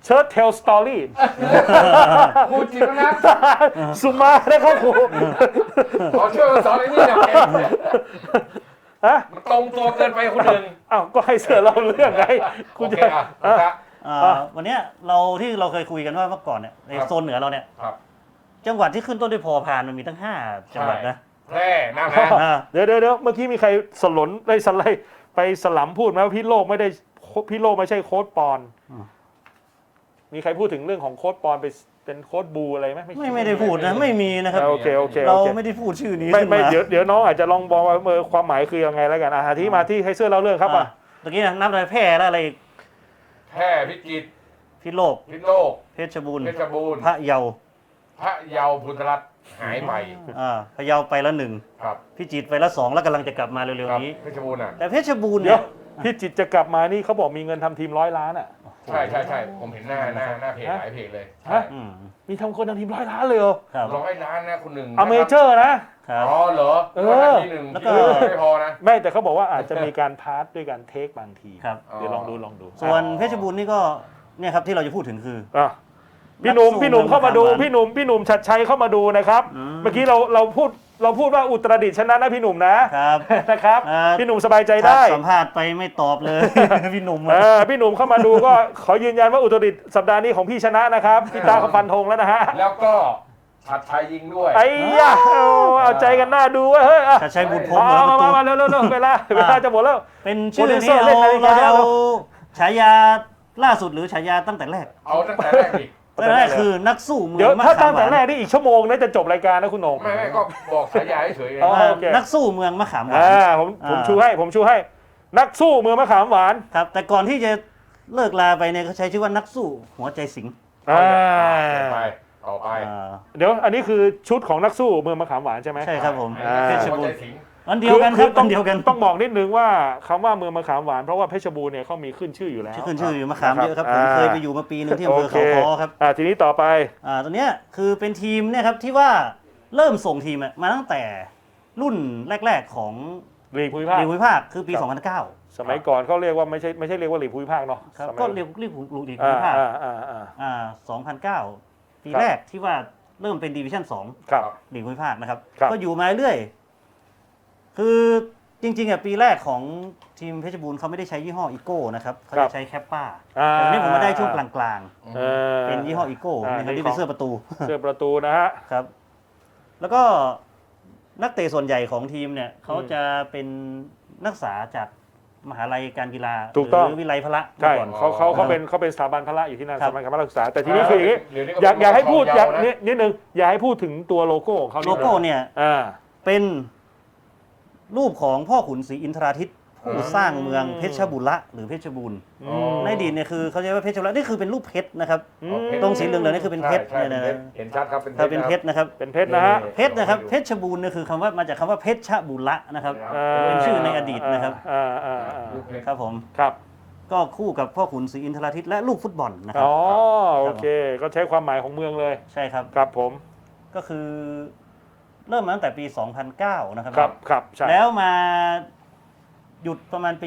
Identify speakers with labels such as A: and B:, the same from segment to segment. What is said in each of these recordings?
A: เชิร์ตเทลสตอรี่
B: ครูจิตนะ
A: สุมาได้ครับครู
B: ขอช่วยมาสอนไอ้นี่หน่อย
A: ฮะ
B: มันตรงตัวเกินไปคนหนึ่ง
A: อ้าวก็ให้เสือเราเรื่องไง
B: โอ
A: คุณ
B: เค
A: จะ
B: ครับ
C: วันเนี้ยเราเคยคุยกันว่าเมื่อก่อนเนี่ยในโซนเหนือเราเนี่ย
B: ครับ
C: จังหวัดที่ขึ้นต้นด้วยพอพานมันมีตั้ง5จังหวัดนะ
B: แพร่น่าแพ
A: เดี๋ยวเมื่อกี้มีใครสลนได้สไลด์ไปสลัมพูดไหมว่าพี่โลกไม่ใช่โค้ดปอน มีใครพูดถึงเรื่องของโค้ดปอนเป็นโค้ดบูอะไรไหม
C: ไม่ได้พูดนะไม่มีนะครับ
A: โอเค
C: เราไม่ได้พูดชื่อนี้
A: ไม่
C: ขึ้นมา
A: เดี๋ยวน้องอาจจะลองบอกว่าความหมายคือยังไงแล้วกันที่มาที่ให้เสื้อเล่าเรื่องครับอ่ะ
C: ตะกี้นับอะไรแพร่แล้วอะไร
B: แพร่พิจิตร
C: พิษโลก
B: พิษโลก
C: เพชรบูรณ์
B: เพชรบูรณ์
C: พระเยา
B: พระเยาพุทธรัตน์หายไป
C: พะเยาไปละ1
B: ครับ
C: พิจิตรไปละ2แล้วกำลังจะกลับมาเร็ว
B: ครับ
C: ๆนี้
B: เพชรบูรณ์อ่ะ
C: แต่เพชรบูรณ์
A: เดี๋
C: เนี่ย ยว
A: พี่จิตรจะกลับมานี่เขาบอกมีเงินทำทีม100 ล้านอ่ะ
B: ใช่ผมเห็นหน้าเพจหลายเพจเลย
A: ฮะ มีทำคนทำทีม100 ล้านเลยเหรอ
C: ครับ
B: 100 ล้านนะคนหนึ่ง
A: อเมเจอร์นะ
C: ครับ
B: อ๋อเหรอ
A: เออ
B: ที่หนึ่ง
C: แล้วก็
B: ไม่พอนะ
A: ไม่แต่เขาบอกว่าอาจจะมีการพาร์ทด้วยการเทคบางที
C: ครับ
A: เดี๋ยวลองดู
C: ส่วนเพชรบูรณ์นี่ก็เนี่ยครับที่เราจะพูดถึงคือ
A: อ่ะพี่หนุ่มเข้ามาดู
C: นักสู้
A: พี่หนุ่มชัดชัยเข้ามาดูนะครับ เมื่อกี้เราพูดว่าอุตรดิตถ์ชนะนะพี่หนุ่มนะครับ นะครับ พี่หนุ่มสบายใจได้
C: สัมภาษณ์ไปไม่ตอบเลย พี่หนุ่ม
A: พี่หนุ่มเข้ามาดูก็ขอยืนยันว่าอุตรดิตถ์สัปดาห์นี้ของพี่ชนะนะครับพี่ตาเขาฟันธงแล้วนะฮะ
B: แล้วก็ชัดชัยยิงด้วย
A: ไอ้ยะเอาใจกันหน้าดูเว้ยเฮ้ย
C: ชัดชัยบุตรพรหมเหรอประตู
A: มาเร็วเวลาจะหมดแล้ว
C: เป็นชื่อ
A: โปรดิวเซอ
C: ที่
A: ร์เล่นนาฬิกา
C: เรา
A: แล้ว
C: ฉายาล่าสุดหรือฉายาตั้งแต่แรก
B: เอาตั้งแต่แรกดิ
C: ตั้งแต่แรกคือนักสู้เมื
A: เดี๋ย
C: อ
A: ว
C: งมะ
A: ถ้า
C: ขา
A: ตั้
C: ม
A: ง
C: ห
A: แต่
C: วาน
A: แรกนี่อีกชั่วโมงน่าจะจบรายการนะคุณโหน่ง
B: ไม่ก็บอกฉายาเฉยๆไง
A: อ๋อ โอเค
C: นักสู้เมืองมะขามหวาน
A: ผมชูให้นักสู้เมืองมะขามหวาน
C: ครับ แต่ก่อนที่จะเลิกลาไปเนี่ยเขาใช้ชื่อว่านักสู้หัวใจสิงห์
B: ไปต่อไป
A: เดี๋ยวอันนี้คือชุดของนักสู้เมืองมะขามหวานใช่ไหม
C: ใช่ครับผม
A: เพชร
C: บูรณ์
B: สิงห์
C: อันเดียวกันครับ
A: ต้
C: อั
A: อง
C: นเดียวกัน
A: ต้องบอกนิดนึงว่าคำว่าเมืองมะขามหวานเพราะว่าเพชรบูรณ์เนี่ยเขามีขึ้นชื่ออยู่แล้ว
C: ขึ้นชื่ออยู่มะขามเยอะครับผมเคยไปอยู่มาปีหนึงที่อำเภอ
A: โค
C: เขาค้อครับ
A: ทีนี้ต่อไป
C: ตอนเนี้ยคือเป็นทีมเนี่ยครับที่ว่าเริ่มส่งทีมมาตั้งแต่รุ่นแรกๆของ
A: ลีกภูมิภาค
C: ลีกภูมิภาคคือปี
A: ครับ
C: 2009
A: สมัยก่อนเขาเรียกว่าไม่ใช่เรียกว่าลีกภูมิภาคเนาะ
C: ครับ
A: สมัย
C: ก็เรียกลีกภูมิภาค 2009 ปี
A: ครับ
C: แรกที่ว่าเริ่มเป็นดิวิชั่น
A: ครับ
C: 2ลีกภูมิภาคนะครับ
A: ครับ
C: ก็อยู่มาเรื่อยคือจริงๆปีแรกของทีมเพชรบูรณ์เขาไม่ได้ใช้ยี่ห้ออีโก้นะครับเขาจะใช้แคปป้าแต่วันนี้ผมมาได้ช่วงกลางๆเป็นยี่ห้ออีโก้นะครับที่เป็นเสื้อประตู
A: เสื้อประตูนะฮะ
C: ครับ แล้วก็นักเตะส่วนใหญ่ของทีมเนี่ยเขาจะเป็นนักศึกษาจากมหาลัยการกีฬา
A: ถูกต้อง
C: หรือวิไลพละ
A: ใช่
C: ก่อน
A: เขาเป็นสถาบันพละอยู่ที่นั่น
C: ครั
A: ส
C: บ
A: มัยการศึกษาแต่ทีนี้คืออย่างนี้อยากให้พูดนิดนึงอยากให้พูดถึงตัวโลโก้ของเขา
C: โลโก้เนี่ย
A: อ่า
C: เป็นรูปของพ่อขุนศรีอินทราทิตผู้สร้างเมืองเพชรบุรีหรือเพชรบูรณ์ในอดีตเนี่ยคือเขาเรียกว่าเพชรบุรีนี่คือเป็นรูปเพชรนะครับ ตรงสีเหลืองๆนี่คือเป็นเพชร
B: ใช่
C: เนี่ยนะ
B: เห็นชัดครับ
C: ครับเป็นเพชรนะครับ
A: เป็นเพชรนะฮะ
C: เพชรนะครับเพชรบูรณ์เนี่ยคือคำว่ามาจากคำว่าเพชรบุรีนะครับ เป็นชื่อในอดีตนะครับ ครับผม
A: ครับ
C: ก็คู่กับพ่อขุนศรีอินทราทิตและลูกฟุตบอลนะครั
A: อ๋อโอเคก็ใช้ความหมายของเมืองเลย
C: ใช่ครับ
A: ครับผม
C: ก็คือเริ่มมาตั้งแต่ปี 2009 นะครับ
A: ครับใช่
C: แล้วมาหยุดประมาณปี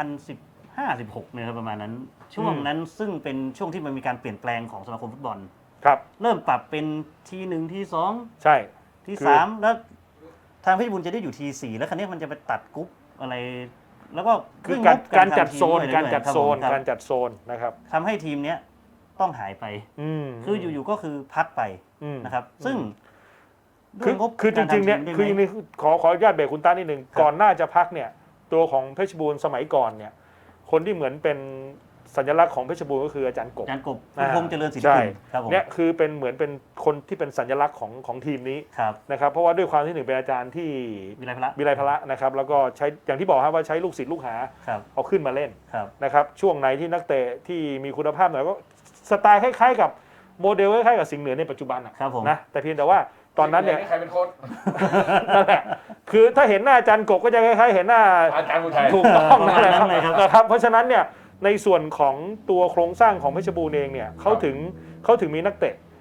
C: 2015-16เนี่ยครับประมาณนั้น ช่วงนั้นซึ่งเป็นช่วงที่มันมีการเปลี่ยนแปลงของสมาคมฟุตบอล
A: ครับ
C: เริ่มปรับเป็นที1ที2
A: ใช่
C: ที
A: คือ
C: 3แล้วทางเพชรบูรณ์จะได้อยู่ที4แล้วครั้นี้มันจะไปตัดกรุ๊ปอะไร แล้วก็
A: คือ
C: ด้วยงบ
A: การจัด
C: ทำทีม
A: โซน
C: ด้วย
A: การจัดโซน
C: ครับ
A: การจัดโซนนะครับ
C: ทำให้ทีมเนี้ยต้องหายไป คืออยู่ๆก็คือพักไป
A: อืม
C: นะครับ ซึ่งด้
A: คื
C: ว
A: อย
C: งบ
A: คือจริงๆเนี่ย
C: กาทำทีม
A: คือ
C: ได้ไหม
A: ขออนุญาตเบรกคุณต้านิดนึง
C: ครับ
A: ก่อนหน้าจะพักเนี่ยตัวของเพชรบูรณ์สมัยก่อนเนี่ยคนที่เหมือนเป็นสัญลักษณ์ของเพชรบูรณ์ก็คืออาจารย์กบ
C: อาจารย์กบคุณพงษ์เจริญศิล
A: ใช่
C: ปินครับผม
A: เนี่ยคือเป็นเหมือนเป็นคนที่เป็นสัญลักษณ์ของทีมนี้
C: ครับ
A: นะครับเพราะว่าด้วยความที่หนึ่งเป็นอาจารย์ที่
C: วิไลพละ
A: วิไลพละนะครับแล้วก็ใช้อย่างที่บอกครับว่าใช้ลูกศิษย์ลูกหา
C: ครับ
A: เอาขึ้นมาเล่น
C: ครับ
A: นะครับช่วงไหนที่นักเตะที่มีคุณภาพหน่อยก็สไตล์คล้ายๆกับโมเดลคล้ายๆกับสิงห์เหนือในปัจจุบันอะ
C: ครับผม
A: นะแต่เพียงแต่ว่าตอนนั้นเนี่ย
B: ใครเป็นโค้ช
A: นั่นแหละคือถ้าเห็นหน้าอาจารย์กบก็จะคล้ายๆเห็นหน้า
B: อาจารย์บุญชัย
A: ถูกต้องนั่นแหละ
C: นั่นเลยครับ
A: นะครับเพราะฉะนั้นเนี่ยในส่วนของตัวโครงสร้างของเพชรบูรณ์เองเนี่ยเขาถึงมีนักเตะ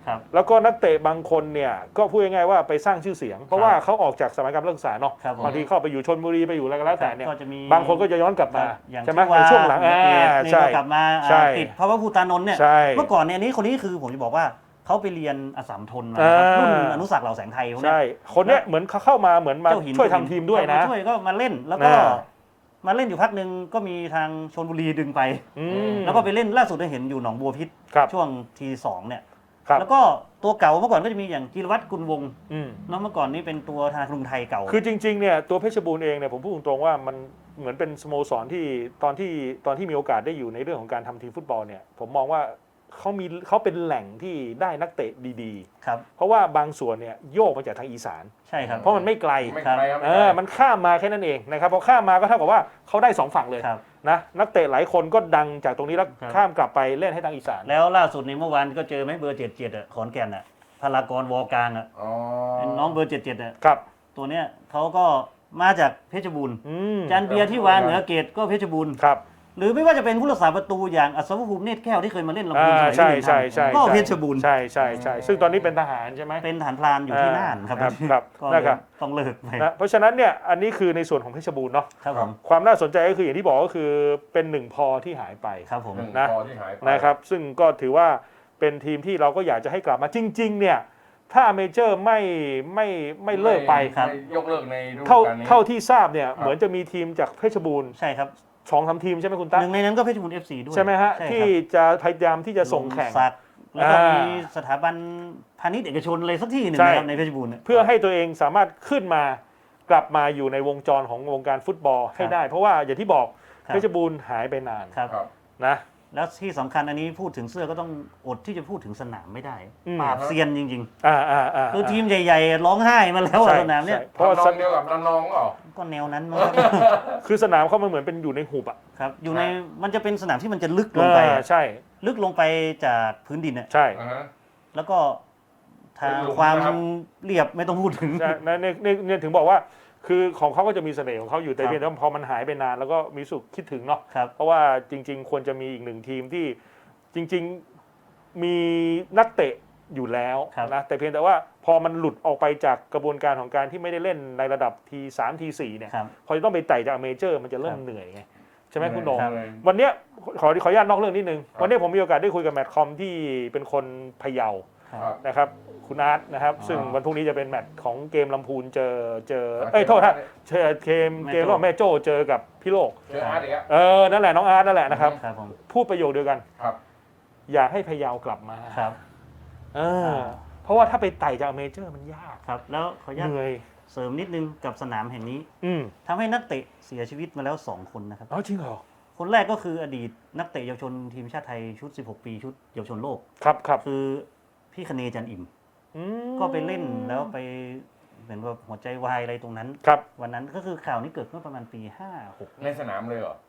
C: ครับ
A: แล้วก็นักเตะบางคนเนี่ยก็พูดง่ายๆว่าไปสร้างชื่อเสียง เพราะว่าเขาออกจากสมัยการนักศึกษาเนาะ
C: ครับผม
A: บางทีเข้าไปอยู่ชลบุรีไปอยู่อะไรก็แล้วแต่เนี่ย
C: ก็จะมี
A: บางคนก็จะย้อนกลับมา
C: อย่าง
A: ใช่ไหม
C: ที่
A: ในช่วงหลัง
C: เกรดนี่
A: ใช่
C: ก็กลับมา
A: ใช่
C: ติดเพราะว่าภูตานนท์เนี่ย
A: ใช่
C: เมื่อก่อนเนี่ยอันนี้คนนี้คือผมจะบอกว่าเขาไปเรียนอัสสัมทนมานะครับ
A: อ่า
C: รุ่นอนุสักดิ์เหล่าแสงไทยพวกเนี้
A: ใช่
C: ย
A: คนเนี้ยเหมือนเขาเข้ามาเหมือนมา
C: เจ้าหิน
A: ช่วยทำทีมด้วยนะ
C: ช่วยก็มาเล่นแล้วก็
A: อ่า
C: มาเล่นอยู่พักหนึ่งก็มีทางชลบุรีดึงไป
A: อืม
C: แล้วก็ไปเล่นล่าสุดได้เห็นอยู่หนองบัวพิษ
A: ครับ
C: ช่วงทีสองเนี่ย
A: ครับ
C: แล้วก็ตัวเก่าเมื่อก่อนก็จะมีอย่างจิรวัตรกุลวงศ์
A: อืม
C: เนาะเมื่อก่อนนี้เป็นตัวธนาคารกรุงไทยเก่า
A: คือจริงๆเนี่ยตัวเพชรบูรณ์เองเนี่ยผมพูดตรงๆว่ามันเหมือนเป็นสโมสรที่ตอนที่มีโอกาสได้อยู่ในเรื่องของการทำทีมฟุตบอลเนี่ยผมมองว่าเขาเป็นแหล่งที่ได้นักเตะดี
C: ครับ
A: ๆ เพราะว่าบางส่วนเนี่ยโยกมาจากทางอีสาน
C: ใช่ครับ
A: เพราะมันไม่ไกล
B: ไม่ไกลครับ
A: มันข้ามมาแค่นั้นเองนะครับพอข้ามมาก็เท่ากับว่าเขาได้สองฝั่งเลย
C: ครับ
A: นะนักเตะหลายคนก็ดังจากตรงนี้แล้ว
C: ครับ
A: ข้ามกลับไปเล่นให้ทางอีสาน
C: แล้วล่าสุดในเมื่อวานก็เจอไหมเบอร์77อ่ะขอนแก่นอ่ะพลากรวอกลางอ่ะ
B: อ๋อ
C: เป็นน้องเบอร์77อ่ะ
A: ครับ
C: ตัวเนี้ยเขาก็มาจากเพชรบูรณ์
A: อืม
C: จันเบียร์ที่วานเหนือเกตก็เพชรบูรณ์
A: ครับ
C: หรือไม่ว่าจะเป็นผู้รักษาประตูอย่างอัศวภูมิเนตรแก้วที่เคยมาเล่นลำพูนสมัย
A: ใช่
C: ที่
A: ใช่ใช่
C: ก็เพชรบูรณ์
A: ใช่ใช่ใช่ซึ่งตอนนี้เป็นทหารใช่ไหม
C: เป็นทหารพรานอยู่ที่น่านครับ
A: ครับ
C: ก็
A: นะครับ
C: ต้องเลิกไป
A: นะเพราะฉะนั้นเนี่ยอันนี้คือในส่วนของเพชรบูรณ์เนาะ
C: ครับผม
A: ความน่าสนใจก็คืออย่างที่บอกก็คือเป็นหนึ่งพอที่หายไป
C: ครับผม
B: หนึ่ง
A: นะ
B: พอที่หายไป
A: นะครับซึ่งก็ถือว่าเป็นทีมที่เราก็อยากจะให้กลับมาจริงๆเนี่ยถ้าเมเจอร์ไม่เลิกไป
C: ครับ
B: ม่ยกเลิกในฤดู
A: เท่าก
B: าลนี้
A: เท่าที่ทราบเนี่ย
B: ครับ
A: เหมือนจะมีทีมจากเพชรบูรณ์
C: ใช่ครับ
A: 2-3 ทีมใช่ไหมคุณตั๊ก
C: หนึ่งในนั้นก็เพชรบูรณ์ FC ด้วย
A: ใช่ไหมฮะ
C: ใช่
A: ที่
C: ครับ
A: จะพยายามที่จะส่งแข่ง
C: ลมศักดิ์แล้วก็
A: อ่ามี
C: มีสถาบันพาณิชย์เอกชนอะไรสักที่หนึ่ง
A: ใช่
C: นะครับในเพชรบูรณ์เนี่ย
A: เพื่อให้ตัวเองสามารถขึ้นมากลับมาอยู่ในวงจรของวงการฟุตบอลให้ได้ เพราะว่าอย่างที่บอก
C: ครับ
A: เพชรบูรณ์หายไปนาน
C: ครับ
B: ครับ
A: นะ
C: แล้วที่สำคัญอันนี้พูดถึงเสื้อก็ต้องอดที่จะพูดถึงสนามไม่ได้
A: อืม
C: ปราบเซียนจริง คือทีมใหญ่ๆ ร้องไห้มาแล้วอะ
A: ใช่
C: สนามเนี่ย
A: ใช่เพราะว่า
B: ทำนองเดียวกับระนองเปล่า
C: ก็แนวนั้นมั้งครับ
A: คือสนามเขามันเหมือนเป็นอยู่ในหุบอ่ะ
C: ครับอยู่ในมันจะเป็นสนามที่มันจะลึกลงไปอะ
A: ใช่
C: ลึกลงไปจากพื้นดินอะ
A: ใช่
B: อ่าฮะ
C: แล้วก็ทาง
B: เป็นหลุม
C: ความ
B: นะครับ
C: เรียบไม่ต้องพูดถึง
A: ใช่เนี่ยถึงบอกว่าคือของเขาก็จะมีเสน่ห์ของเขาอยู่แต่
C: ครับ
A: เพียงแต่ว่าพอมันหายไปนานแล้วก็มีสุขคิดถึงเนาะ
C: ครับ
A: เพราะว่าจริง ๆ ควรจะมีอีกหนึ่งทีมที่จริง ๆมีนักเตะอยู่แล้ว
C: ครับ
A: นะแต่เพียงแต่ว่าพอมันหลุดออกไปจากกระบวนการของการที่ไม่ได้เล่นในระดับที3ที4เนี่ย
C: ครับ
A: พอจะต้องไปไต่จากเมเจอร์มันจะเริ่
C: ค
A: ม
C: รับ
A: เหนื่อยไงใช่ไหมคุณโหนง
C: ครับ
A: วันเนี้ยขออนุญาตนอกเรื่องนิดนึง
B: ครับ
A: วันเนี้ยผมมีโอกาสได้คุยกับแมตช์คอมที่เป็นคนพะเยา
B: ครับ
A: นะครับคุณอาร์ตนะครับ
C: อ๋อ
A: ซึ่งวันพรุ่งนี้จะเป็นแมตช์ของเกมลำพูนเจอ
B: ครับ
A: เอ้ยโทษฮะเจอเกม
C: แม่โจ้
A: ระหว่างแม่โจ้เจอกับพี่โลก
B: เจออาร์ตอีกแล้ว
A: นั่นแหละน้องอาร์ตนั่นแหละนะครับ
C: ครับผม
A: พูดประโยคเดียวกัน
B: ครับ
A: อยากให้พะเยากลับมา
C: ครับ
A: เพราะว่าถ้าไปไต่จากเมเจอร์มันยาก
C: ครับแล้วขออนุญาต
A: เหนื่อย
C: เสริมนิดนึงกับสนามแห่งนี้
A: อืม
C: ทำให้นักเตะเสียชีวิตมาแล้ว 2 คนนะครับ
A: อ๋อจริงเหรอ
C: คนแรกก็คืออดีตนักเตะเยาวชนทีมชาติไทยชุด 16 ปีชุดเยาวชนโลก
A: ครับครับ
C: คือพี่คเนจันอิ่ม
A: อืม
C: ก็ไปเล่นแล้วไปเหมือนว่าหัวใจวายอะไรตรงนั้น
A: ครับ
C: วันนั้นก็คือข่าวนี้เกิดเมื่อประมาณปี 56
B: ในสนามเลยเหรอ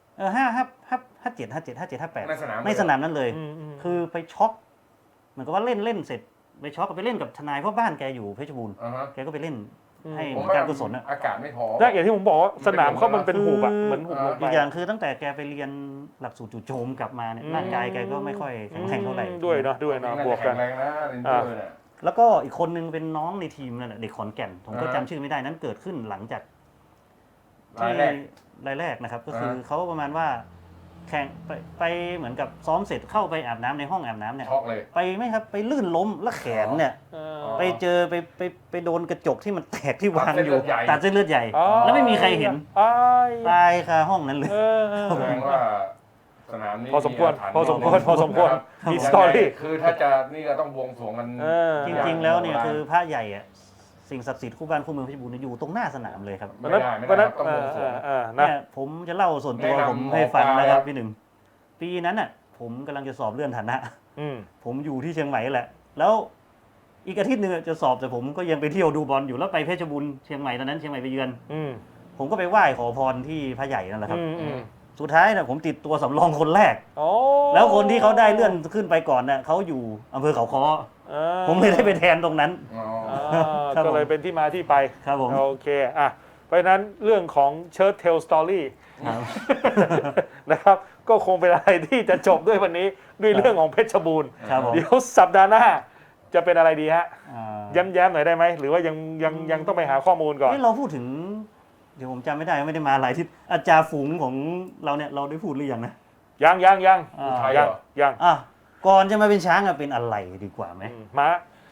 C: 57
B: ในสนาม
C: 58ในสนามนั้นเลย
A: ม
C: คือไปช็อกเหมือนกับว่าเล่นเสร็จไปช็อกก็ไปเล่นกับทนายเพราะบ้านแกอยู่เพชรบูรณ์
B: อ่าฮะ
C: แกก็ไปเล่นให้
B: ผม
C: การกุศลอะ
B: อากาศไม่พอ
A: นั่นอย่างที่ผมบอกว่าสนามเขามันเป็นหุบอะ
C: คือ
A: เหมือนหุบลงไป
C: อีกอย่างคือตั้งแต่แกไปเรียนหลักสูตรจู่โจมกลับมาเนี่ยร่างกายแกก็ไม่ค่อยแข็งแรงเท่าไหร่
A: ด้วยเนาะบวกกัน
B: แข็งแรงนะเรนเจอร์เนี่ย
C: แล้วก็อีกคนนึงเป็นน้องในทีมนั่นแหละเด็กขอนแก่น ผมก็
B: อ่า
C: จำชื่อไม่ได้นั้นเกิดขึ้นหลังจาก
B: รายแรก
C: รายแรกนะครับ ก็คือเขาประมาณว่าแข่งไปเหมือนกับซ้อมเสร็จเข้าไปอาบน้ำในห้องอาบน้ำเนี่ย
B: ช็อกเลย
C: ไปไม่ครับไปลื่นล้มแล้วแขนเนี่ย ไปเจอไปโดนกระจกที่มันแตกที่วางอยู่ตัดเส้นเลือดใหญ่
A: อ๋อ
C: แล้วไม่มีใครเห็น
A: อ้าย
C: ตายคาห้องนั้นเลย
B: แสดงว่าสนามนี้
A: พอสมควร
B: าถรรพ์
A: พอสมควรพอสมควร
B: นะครับ
A: มีสตอรี่
B: คือถ้าจะนี่ก็ต้องบวงสรวงกัน
C: จริงๆแล้วเนี่ยคือพระใหญ่อะสิ่งศักดิ์สิทธิ์คู่บ้านคู่เมืองเพชรบูรณ์เนี่ยอยู่ตรงหน้าสนามเลยครับ
B: ไม่ได้ไม่ได้ครับต้องบวงสรวง
A: นะ
C: เนี่ยผมจะเล่าส่วนตัว
B: แนะนำ
C: ผมให้ฟัง
B: หมอปลา
C: นะค
B: ครั
C: รับบ พี่หนึ่งปีนั้นน่ะผมกำลังจะสอบเลื่อนฐานะ
A: อืม
C: ผมอยู่ที่เชียงใหม่แหละ แล้วอีกอาทิตย์หนึงจะสอบแต่ผมก็ยังไปเที่ยวดูบอลอยู่แล้วไปเพชรบูรณ์เชียงใหม่ตอนนั้นเชียงใหม่ไปเยือน
A: อืม
C: ผมก็ไปไหว้ขอพรที่พระใหญ่นั่นแหละครับ
A: อืม
C: สุดท้ายน่ะผมติดตัวสำรองคนแรก
A: โอ้
C: แล้วคนที่เขาได้เลื่อนขึ้นไปก่อนน่ะเขาอยู่อำเภอเขาค้อผมเลยได้ไปแทนตรงนั้น
B: อ๋อ
C: ครับผม
A: ก็เลยเป็นที่มาที่ไป
C: ครับผม
A: โอเคอ่ะเพราะฉะนั้นเรื่องของเชิร์ตเทลสตอรี่
C: ครับ
A: นะครับก็คงเป็นอะไรที่จะจบด้วยวันนี้ด้วยเรื่องของเพชรบูรณ์
C: ครับผม
A: เดี๋ยวสัปดาห์หน้าจะเป็นอะไรดีฮะ
C: อ่า
A: แย้มๆหน่อยได้ไหมหรือว่ายังต้องไปหาข้อมูลก่อน
C: เอ้ยเราพูดถึง เดี๋ยวผมจำไม่ได้ไม่ได้มาหลายที่อาจารย์ฝูงของเราเนี่ยเราได้พูดหรือยังนะ
A: ยัง
C: อ่า
B: ไทยเหรอ
A: ยัง
C: อ่ะก่อนจะมาเป็นช้างอะเป็นอะไรดีกว่าไหม
A: ม้า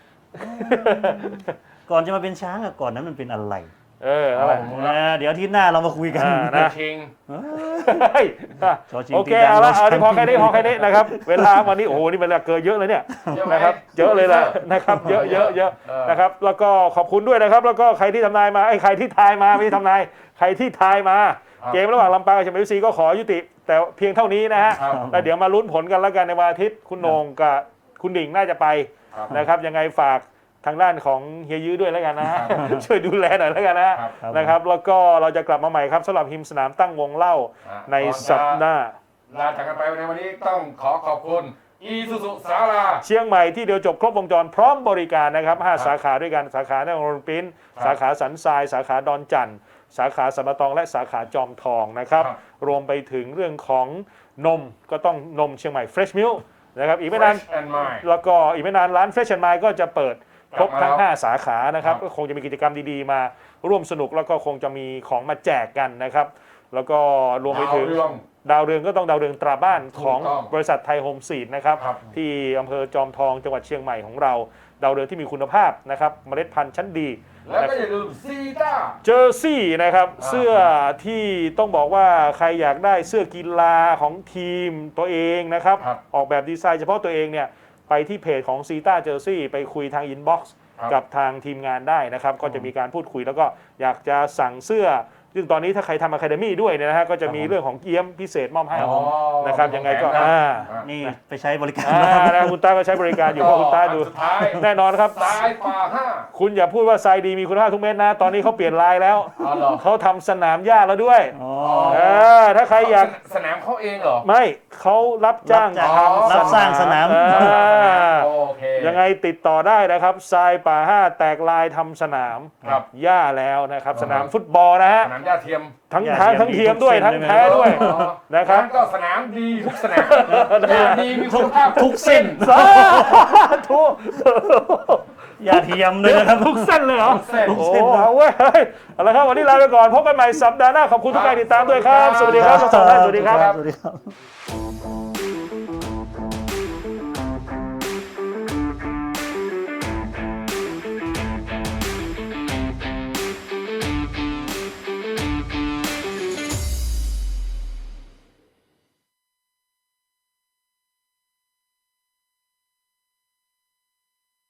C: ก่อนจะมาเป็นช้างอะก่อนนั้นมันเป็นอะไร
A: อะไร
C: เดี๋ยวอาที่หน้าเรามาคุยกัน
A: นะ
B: ชิง
A: เฮ้ย
C: ชอชิง
A: โอเค
C: ตีดัง
A: เอาละ
C: เรา
A: เอาที่พอ
C: ช้าง
A: แค่นี้นะครับ เวลาวันนี้โอ้โหนี่เวลาเกินเยอะเลยเนี่ย
B: เยอะไหม
A: นะครับเยอะเลยแหละนะครับ เยอะนะครับแล้วก็ขอบคุณด้วยนะครับ แล้วก็ใครที่ทำนายมาใครที่ทายมาไม่ใช่ทำนายใครที่ทายมา เกมระหว่างลำปางกับเชียงใหม่ FC ก็ขอยุติ แต่เพียงเท่านี้นะฮะ
B: ครับ
A: แล้วเดี๋ยวมาลุ้นผลกันแล้วกันในวันอาทิตย์คุณโหนงกับคุณดิ่งน่าจะไป
B: ครับ
A: นะครับยังไงฝากทางด้านของเฮียยื้อด้วยแล้วกันนะฮะ
B: ครับ
A: ช่วยดูแลหน่อยแล้วกันนะฮะ
B: ครับ
A: นะครับแล้วก็เราจะกลับมาใหม่ครับสำหรับหิมสนามตั้งวงเล่าในสัปดาห์
B: ลาจากกันไปในวันนี้ต้องขอบคุณอีซูซูสารา
A: เชียงใหม่ที่เดียวจบครบวงจรพร้อมบริการนะครับ5สาขาด้วยกันสาขาในโรงปิ้น
B: ครับ
A: สาขาสันทราย สาขาดอนจันทร์สาขาสัมปะตองและสาขาจอมทองนะครับ
B: ครับ
A: รวมไปถึงเรื่องของนมก็ต้องนมเชียงใหม่ Fresh Milk นะครับอีกไม่นาน
B: Fresh and Mind
A: แล้วก็อีกไม่นานร้าน Fresh and Mind ก็จะเปิดครบทั้ง
B: กลับมาแล้ว
A: 5 สาขานะครับ
B: ครับ
A: ก็คงจะมีกิจกรรมดีๆมาร่วมสนุกแล้วก็คงจะมีของมาแจกกันนะครับ แล้วก็รวมไปถึง
B: ดาวเรื่อง
A: ดาวเรืองก็ต้องดาวเรืองตราบ้านของ
B: ถูกต้อง
A: บริษัทไทยโฮมซีดนะครับ
B: ครับ
A: ที่อำเภอจอมทองจังหวัดเชียงใหม่ของเรา ดาวเรืองที่มีคุณภาพนะครับเมล็ดพันธุ์ชั้นดี
B: แล้วก็อย่าลืมซีต้า
A: เจอร์ซี่นะครับ
B: อ่า
A: เสื้อที่ต้องบอกว่าใครอยากได้เสื้อกีฬาของทีมตัวเองนะครับ
B: ครับ
A: ออกแบบดีไซน์เฉพาะตัวเองเนี่ยไปที่เพจของซีต้าเจอร์ซี่ไปคุยทางอินบ็อกซ์
B: ครับ
A: กับทางทีมงานได้นะครับ ก็จะมีการพูดคุยแล้วก็อยากจะสั่งเสื้อ ซึ่งตอนนี้ถ้าใครทำอะคาเดมี่ด้วยเนี่ยนะฮะก็จะมีเรื่องของเกี๊ยมพิเศษมอบให้
B: อ๋อ
A: นะครับยังไงก็
B: แผนนะ
C: นี่ไปใช้บริการ
A: นะคุณต้าก็ใช้บริการอยู่เพราะคุณต้าดู
B: สุดท้าย
A: แน่นอนครับ
B: สายป่าห้า
A: คุณอย่าพูดว่าทรายดีมีคุณภาพทุกเม็ดนะ ตอนนี้เขาเปลี่ยนลายแล้ว
B: อ๋อเหรอ
A: เขาทำสนามหญ้าแล้วด้วย
C: อ๋อ
A: ถ้าใครอยาก
B: สนามเขาเองเหรอ
A: ไม่เขารับจ้าง
C: รับสร้างสนาม
B: โอเค
A: ยังไงติดต่อได้นะครับทรายป่าห้าแตกลายทำสนาม
B: ครับ
A: หญ้าแล้วนะครับ สนามฟุตบอลนะฮะ
B: สนามหญ้าเทียม
A: ทั้ง
C: หญ้า
A: ทาง
C: เทียม
A: ทั้งเทียม
C: มีทุก
A: ด้วย
C: เส้น
A: ทั้ง
C: เลยไหม
A: แท้ด้วย นะครับ
B: งั้นก็สนามดีทุกสนามหญ้าดีมีคุณภาพ
C: ทุกเส้น
A: สาธุ
C: อย่าเทียมเลยนะครับ
A: ทุกเส้นเลยเหรอ
B: เส้น
A: โอ้เอาเว้ยเอาละครับวันนี้ลาไปก่อนพบกันใหม่สัปดาห์หน้าขอบคุณทุกการติดตามด้วยครับ สวัสดีครับทั้งสองท่านสวัสดีครับ
C: สวัสดีครับ